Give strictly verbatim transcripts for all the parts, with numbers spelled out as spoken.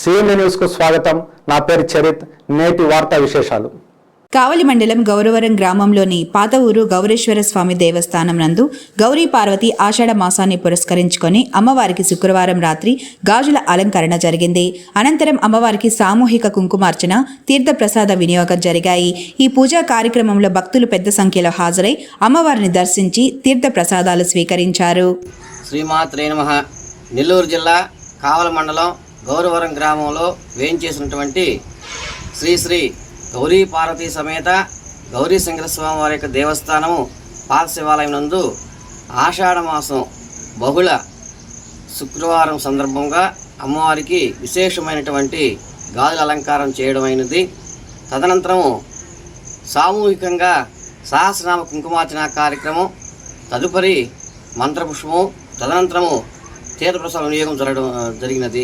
CMD news కు స్వాగతం. నా పేరు చరిత్. నేటి వార్తా విశేషాలు. కావలి మండలం గౌరవరం గ్రామంలోని పాత ఊరు గౌరేశ్వర స్వామి దేవస్థానం నందు గౌరీ పార్వతి ఆషాఢ మాసాన్ని పురస్కరించుకొని అమ్మవారికి శుక్రవారం రాత్రి గాజుల అలంకరణ జరిగింది. అనంతరం అమ్మవారికి సామూహిక కుంకుమార్చన, తీర్థప్రసాద వినియోగం జరిగాయి. ఈ పూజా కార్యక్రమంలో భక్తులు పెద్ద సంఖ్యలో హాజరై అమ్మవారిని దర్శించి తీర్థప్రసాదాలు స్వీకరించారు. శ్రీమాత్రే నమః. నెల్లూరు జిల్లా కావలి మండలం గౌరవరం గ్రామంలో వేయించేసినటువంటి శ్రీ శ్రీ గౌరీ పార్వతీ సమేత గౌరీ శంకరస్వామి వారి యొక్క దేవస్థానము పాత శివాలయం నందు ఆషాఢ మాసం బహుళ శుక్రవారం సందర్భంగా అమ్మవారికి విశేషమైనటువంటి గాజుల అలంకారం చేయడమైనది. తదనంతరము సామూహికంగా సహస్రనామ కుంకుమార్చన కార్యక్రమం, తదుపరి మంత్రపుష్పము, తదనంతరము తీర్థప్రసాద వినియోగం జరగడం జరిగినది.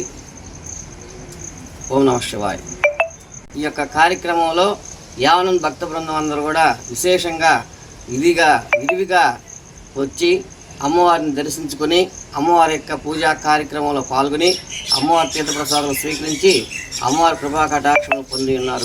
ఓం నమః శివాయ. ఈ యొక్క కార్యక్రమంలో యావనం భక్త బృందం అందరూ కూడా విశేషంగా విధిగా విరివిగా వచ్చి అమ్మవారిని దర్శించుకొని అమ్మవారి యొక్క పూజా కార్యక్రమంలో పాల్గొని అమ్మవారి తీర్థప్రసాదం స్వీకరించి అమ్మవారి కృపా కటాక్షం పొంది ఉన్నారు.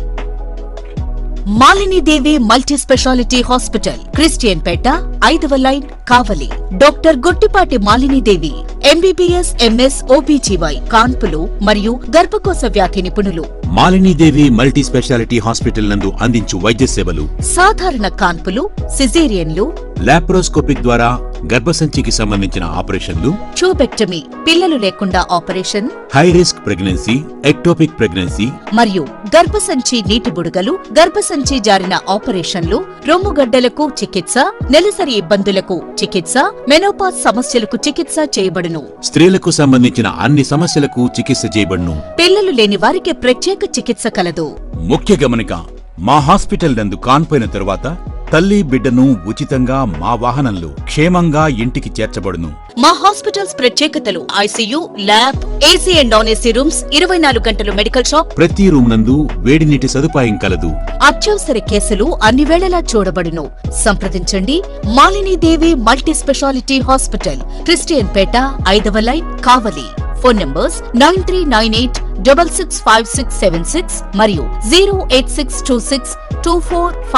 Malini Devi multi speciality hospital, Christian Peta, ఐదవ line, Kavali. Doctor Guttipati Malini Devi MBBS, MS, OBGY, కాన్పులు మరియు గర్భకోశ వ్యాధి నిపుణులు. మాలినీదేవి మల్టీ స్పెషాలిటీ హాస్పిటల్ నందు అందించు వైద్య సేవలు: సాధారణ కాన్పులు, సిజేరియన్లు, లాప్రోస్కోపిక్ ద్వారా గర్భసంచికి సంబంధించిన ఆపరేషన్లు, ట్యూబెక్టమీ, పిల్లలు లేకుండా operation, high risk pregnancy, ectopic pregnancy మరియు గర్భసంచి నీటి బుడగలు, గర్భసంచి జారిన ఆపరేషన్లు, రొమ్ముగడ్డలకు చికిత్స, నెలసరి ఇబ్బందులకు చికిత్స, మెనోపాజ్ సమస్యలకు చికిత్స చేయబడును. స్త్రీలకు సంబంధించిన అన్ని సమస్యలకు చికిత్స చేయబడును. పిల్లలు లేని వారికి ప్రత్యేక చికిత్స కలదు. ముఖ్య గమనిక: మా హాస్పిటల్ నందు కాన్పోయిన తరువాత తల్లి బిడ్డను ఉచితంగా మా వాహనంలో క్షేమంగా ఇంటికి చేర్చబడును. మా హాస్పిటల్స్ ప్రత్యేకతలు: ICU, lab, AC and non AC rooms, ఇరవై నాలుగు గంటలు మెడికల్ షాప్, ప్రతి రూమ్ నందు వేడి నీటి సదుపాయం కలదు. అత్యవసర కేసులు అన్ని వేళలా చూడబడును. సంప్రదించండి Malini Devi multi speciality hospital, Christian Peta, ఐదవ line, Kavali. Phone numbers nine three nine eight double six five six seven six మరియు zero eight six two six two four